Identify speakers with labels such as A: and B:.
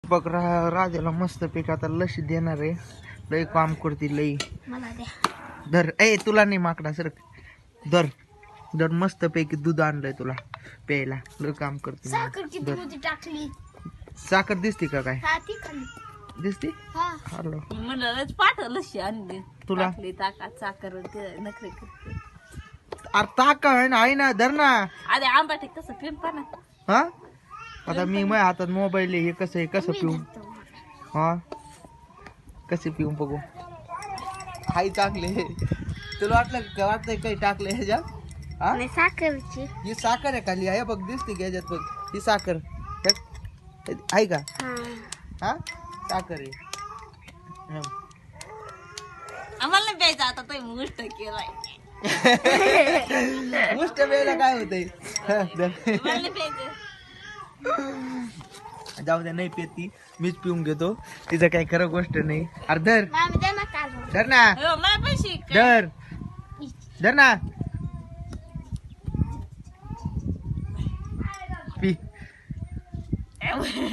A: बघ राजाला मस्त पैकी आता लशी देणार आहे. लई काम करते लई. धर ए तुला नाही माकडा सर. धर धर मस्त पैकी दूध आणलंय तुला प्यायला. लई काम करते. साखर दिसते का काय? दिसते
B: म्हणूनच पाठवलं आणली
A: तुला.
B: साखर नखरे करते.
A: अरे ताक आहे ना धर ना.
B: अरे आंबाटे कसं पिंपा ना.
A: हा आता मी माझ्या हातात मोबाईल आहे. हे कसं आहे कसं पिऊ. हा कसे पिऊ बघू. हाय चांगले. तुला वाटतंय काही टाकलंय ह्याच्यात. हा
C: साखरची
A: ही साखर आहे खाली आहे बघ. दिसते की ह्याच्यात बघ. ही साखर आहे का? हा साखर आहे.
B: आम्हाला नाही प्यायचं आता तो मुष्ट केलाय.
A: मुष्ट वेळेला काय होतंय.
B: आम्हाला नाही प्यायचं.
A: जाऊ द्या नाही पेत ती. मीच पिऊन घेतो. तिचं काही खरं गोष्ट नाही. अरे धर धर ना.
B: हो, मला पैसे
A: धर धर ना. पी